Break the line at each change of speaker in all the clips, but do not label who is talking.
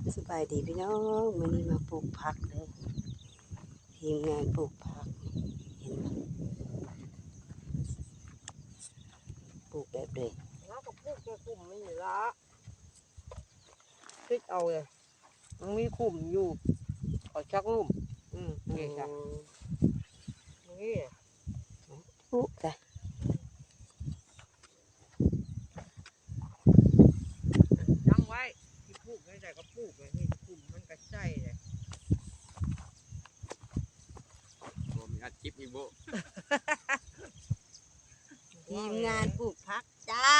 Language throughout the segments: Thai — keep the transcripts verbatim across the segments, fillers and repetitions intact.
สบายดีพี่น้องวันนี้มาปลูกผักเลยทีมงานปลูกผักเห็นไหมปลูกแบบเลย
แล้วก็ปลูกแค่กลุ่มนี่ละคิดเอาเลยมันมีกลุ่มอยู่ขอชักลุ่มอืมนี่จ้ะนี่
ปลูกจ้ะ
ยังไว้ที่ปลูกไม่ได้ก็ปลูกเลยนี่กลุ่มมันกระจายเลย
ผมมีอาชีพอีโบ
ทีมงานปลูกผักจ้า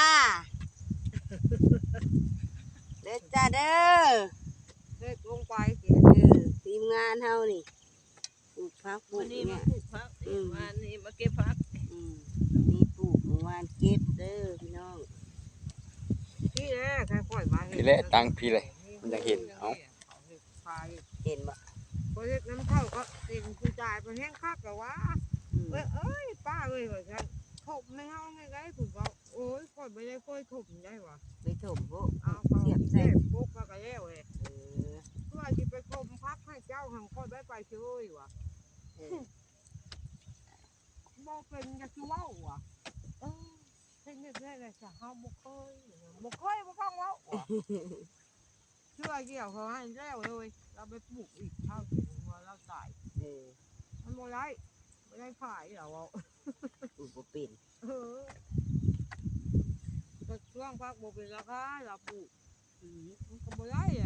เด้อจ้าเด้อ
เด็กลงไปสิ
เออทีมงานเฮานี่ปลูกผักปลู
วั
ก
นนี้
เนี่
มาย ปลูกพักวันนี้มาเก็บพัก
อืมนี่ปลูกเมื่อวานเก็บเด้อพี่น้อง
พี่แหละค่อยๆมา
พี่เละตังพี่เลยมันจะเห็นเอา
เห็นบ่
พอเล็กน้ำเท่าก็เต็มผู้จ่ายไปแห้งคักแล้ววะ
อืม
เอ้ยเอ้ยป้าเอ้ยว่าฉันถมไม่เฮาไงไงผมก็โอ้ยค่อยไม่ได้ค่อยถมได้วะ
ไปถมพวก
เอาเขา
เสียบ
เจ็
ใส่
บปุ๊กก็กระเล้วเอ้ย
เออ
เพื่อที่ไปคมพักให้เจ้าหังค่อยได้ไปช่วยวะ
เออ
บ่เป็นจะคือว่าวะเออเฮ็ดนี่ได้เลยจะเฮาบ่เคยบ่เคยบ่ฟังเว้าวะเชื่อเกี่ยวเขาให้แล้วเลยเราไปปลูกอีกเท่าถึงว่าเราตาย
เออ
มันบ่ได้บ่ได้ขายเหรอวะ
ปลูกบ่เป็น
เออก็ช่วงพักบ่เป็นราคาเราปลูกอืมมันก็บ่ได้อะ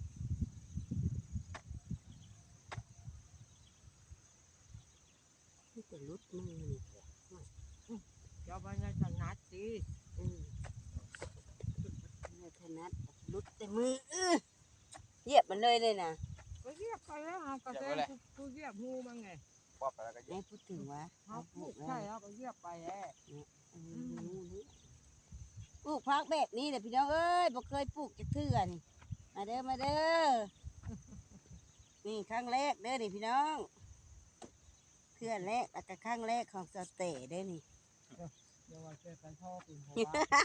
มันจะลุดมือนี่แหละ
เจ้าบ้านถนัดสิ
อืมเมื่อถนัดลุดแต่มือเออเหยียบมันเลยเลยนะ
ก็เรียกไปแล้วเฮาก็แซ่กูเรียกงูมันไง
ปอบไปแล้วก็
ได้พูดถึงว่า
เฮาปลูกใช่แล้วก็เรียกไปแล้ว
เออรู้รู้ปลูกพักแบบนี้แหละพี่น้องเอ้ยบ่เคยปลูกจักเทื่อนี่มาเด้อมาเด้อนี่ครั้งแรกเด้อนี่พี่น้องเทื่อแรกแล้วก็ครั้งแรกของสเตย์เด้อนี่
เดี๋ยวว่าแกไปท่อเป็นหัว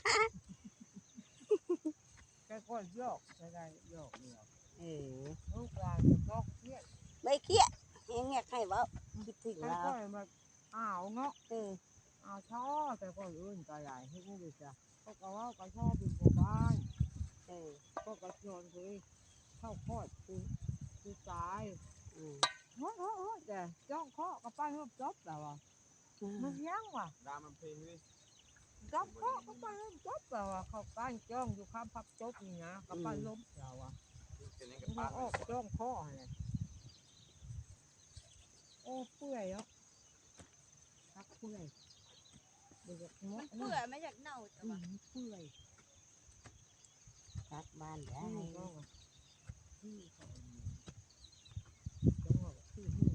แกก็โยกจะได้โยกเดียว
เออ
ลูกหลานจะโยกเครียด
ไม่เครียดเฮียงอยากให้เว้าคิดถึง
แก
เรา
ก็มาอ้าวเนาะ
เออ
อ้าวช่อแต่ก็อื่นก็ใหญ่ให้นี่ดิจ้ะก็ก็ว่าก็ชอบเป็นหัวบ้าน
เออ
ก็กระชอนคือเข้าคอดคือคือตาย
อืม
เฮ้ยเฮ้ยเฮ้ยแต่จ้องเคาะกับป้าเฮือบจบแล้วอ่ะมันยังว่ะ
รามมันเพลงด้วย
จบเคาะกับป้าเฮือบจบแล้วอ่ะเขาก้านจ้องอยู่ข้ามพับจบนี่นะกับป้าล้มแล้วอ่ะ
เป็นยัง
มั
กับ
น
ป้า
ออกจ้องเคาะเลยโอ้เปื่อยเนาะพักเปื่อยเดี๋ยวจะง
มั
ด
นเปื่อยไม่อยากเน่าแต่
อื
ว่าม
เปื่อย
พักบ้านได้
นี่ก็ที่เขาจังหวะที่นี่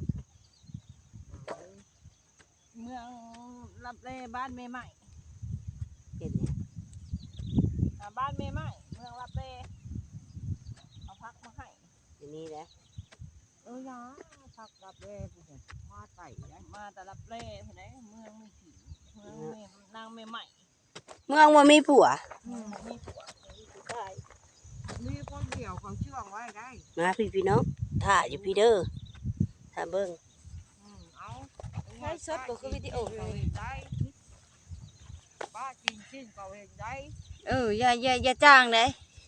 เมืองรับเลบ้านเมใหม่
เป็นเนี่ย
อ่าบ้านเมใหม่เมืองรับเลเอาพักมาให้
ทีนี้นะ
เออนะพักรับแร่ผู้เนี่ยมาไต่ได้
มาแต่รับเลเห็นไหมเมืองมีผีเมืองเมนางเมใหม่
เมืองว่ามีผัว
เมืองมีผัวมีผู้ชาย
มีคนเดียวเขาเชื่องไว้ได้
มาพี่พี่น้องถ่ายอยู่พี่เด้อถ่ายเบิ้ง
อืมเอา
ให้สดก็คือวิดีโอ
เขา
เลย
เห็นได้ป้าจริงจริงเขาเห็นได้
เอออย่าอย่าอย่าจ้างเลย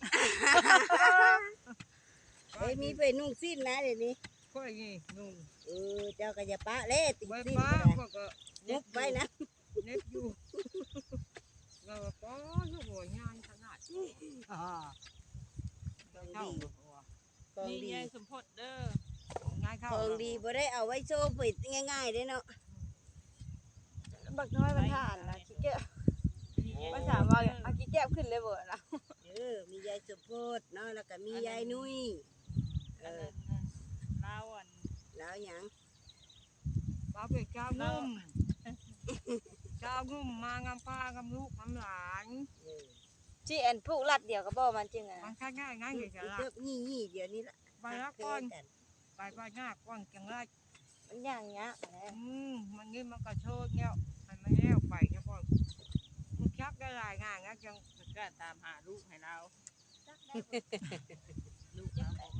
เฮ้ยมีไปนุ่งสิ้นนะเดี๋ยวนี้
ค่อยงี้นุ่ง
เออเจ้าก็จะปะเล่ติด
ไว้
สิ้น
ป้า
ก็ได้
พวกก็
มุกไว้นะ
เน็บอยู่เราก็ป้อนหัวงานขนาดอ่าเจ้าเจ้าหัว
ของ
นี่
ดี
ยายสมพศเด้อ
ง่ายเข้า
ของดีบ่ได้เอาไว้โชว์ปิดง่ายๆเด้เนาะ
บักน้อยมันทานนะขี้เกียจภาษาว่าเอาขี้เกียจขึ้นเลยเบ่นะ
เออมียายสมโพธิเนาะแล้วก็มียายนุ้ยเอ
อัน
อ
นั้นลาวอัน
แล้วหยัง
ป้าเป็นเจ้างุ่มเจ้างุ่มมางามป้างามลูกงามหลาน
เออ
จีแอนผูกรัดเดียวก็บ่มันจริงอ่ะ
มันแค่ง่ายง่าย
เอ
เฉ
อย
ๆละ
เลิกงี้งี้เดี๋ยวนี้ละ
ไปละก่อน
กัน
ไปไปหน้าก่อนจังไร
มันอย่างเงี้ย
อืมมันนี่มันก็โชดเงี้ยมันไม่แล้วไปแค่พอมันชักได้หลายงานงั้นจัง
ก็ตามหาลูกให้เรา
ลูกเอา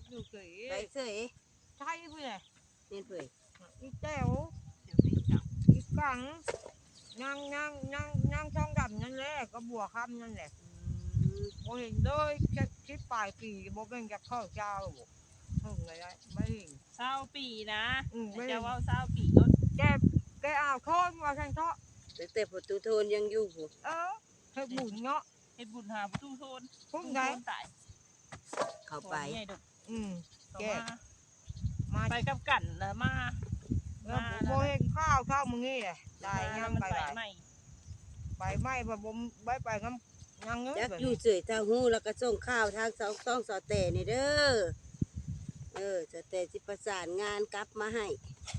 อยู่เฉย
ไปเสย
ใช่เพื่อน
เน้นเปื่อย
อีแต้ว
เดี๋ยวไปจับ
อีกังนั่งนั่งนั่งนั่งช่องดำนั่นแหละก็บัวคำนั่นแหละโมเห็นเลยแค่คิดปลายปีโมเป็นจะเข้าเจ้าถึงเลยไม่เห็น
เศร้าปีนะ
อืมไม่
จะ
เห็น
ว่าเศร้าปีรถ
แกแกเอาโทษมาแทนเทาะ
แต่แต่ประตูโทนยังอยู่ผู้
เออเธอบุญเนาะ
เฮ็ดบุญหาประตูโทน
พุ่งไง
โทนตาย
เข้าไป
โทนใหญ่ดุ
อืม
ต่อ
แก
มา
มา
ไปกับกันแล้วมา
แล้วโมเห็นข้าวข้าวมึงนี่แหละได้งามไป
ไป
ไป
ใหม่
ไปไม่ไปบ่มไปไปงามยังเง
จั
ย
กอยู่เสยทางหูแล้วก็ส่งข้าวทางสองต้องสอแต่นี่เด้อเออสอแต่สิประสานงานกลับมาให้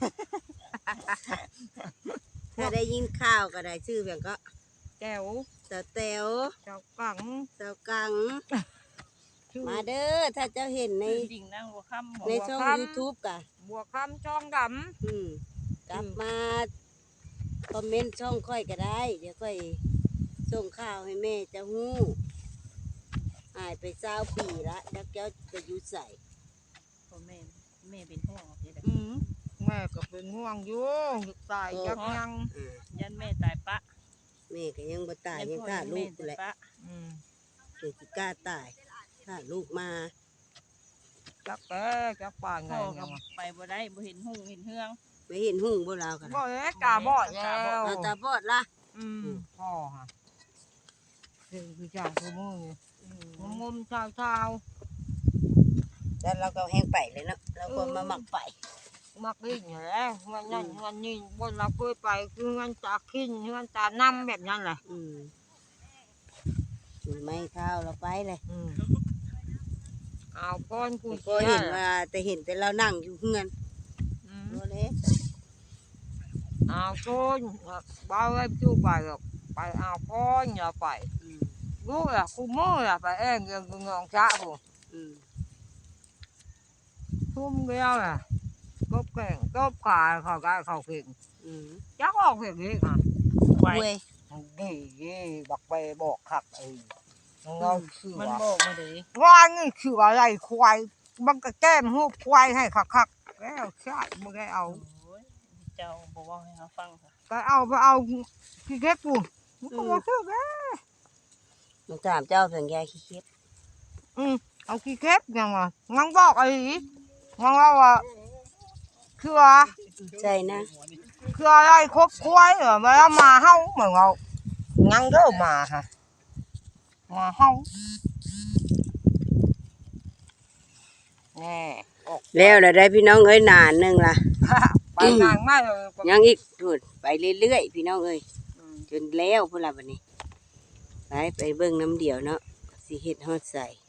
ถ้าได้ยินข่าวก็ได้ชื่อเพียงก็
แก้ว
สอแต๋ว
เจ้ากัง
สาวกัง
ชื่อ
มาเด้อถ้าเจ้าเห็นใน
จริงนั่งหัวค่ำ
ในช่อง YouTube กะ
บัวคำช่องด
อืมกลับมาคอมเมนต์ช่องค่อยก็ได้ เดี๋ยวค่อยส่งข่าวให้แม่เจะฮู้หายไปเจ้าปีละแล้วแก้วไปอยู่ใส่
พ่อแม่แม่เป็นห่วงเด้อ
ำอืมแม่ก็เป็นห่วงอยู่ตายจักยัง
อ่า
ยันแม่ตายปะ
แม่ก็ยังบ่ตาย
ยั
ยัง
พ่อ
ฆ่า
ยัน
ลู
แม่
กกู
ตาย
แหละ
ปะ
อืม
เกิดสิกล้าตายฆ่าลูกมา
จักแกจักป่านไง
พ่อก็
ยังวะ
ไปบ่ได้บ่เห็นหุ่งเห็นเฮือง
ไม่เห็นหุ่งบ่ลาวกัน
บ่เลยตาบอดแล้ว
เอาตาบอดละ
อืมพ่อฮะคือคือจังคือมือนี่งมๆเช้าเช้า
แล้วเราก็แห้งไปเลยเนาะเราก็มาหมักไป
ๆมักดิ้นอยู่แล้วเงินนั่นเงินนี่บนเราเคยไปคือเงินตาขิ้นเงินตาน้ำแบบนั้นแหละ
อืมถือไม้เท้าเราไปเลย
อืมเอาก้อนกู
ก็เห็นว่าแต่เห็นแต่เรานั่งอยู่เฮือน
อืม
โอ้เล็ก
เอาก้อนบ้าไว้จู่ไปหรอกไปเอาก้อนอย่าไป
อืม
รู้ล่ะกูมือล่ะไปเองเงินกูงองจ้ากู
อืม
ทุ่มเดียวล่ะกบแข่งกบขาเขาได้เขาเก่ง
อืม
จักออกเก่งนี่ค่ะ
ไว้
เว้ย
ดีดีบักไปบอกขักไอ้เราคือ
มัน
ว่า
บอกมาเด้
ว่านี่คืออะไรควายมันก็แก้มหูควายให้คักคักๆแล้วใช่มึงได้เอา
โอ้ยเจ้าบอกว่าให้เขาฟังค่ะ
ก็เอาไปเอาขี้เก็บกูมันก็บอกคือแก
มึงถามเจ้าเพียงยายขี้เข็บ
อืมเอาขี้เก็บยังวะงังบอกไอ้งังว่าว่าคือว่า
ใช่นะ
คืออะไรครบควายเหรอมาแล้วมาเฮาเหมือนเรางังเด้อมาค่ะมาเฮาแน่ออก
แล้วเราได้พี่น้องเอ้ยนานหนึงล่ะ
ไปนานมากเลย
ยังอีกถูดไปเรื่อยๆพี่น้องเอ้ย
อืม
จนแล้วพุ่นละบัดนี้ไปไปเบิ่งน้ำเดียวเนาะสิเฮ็ดฮอดใส่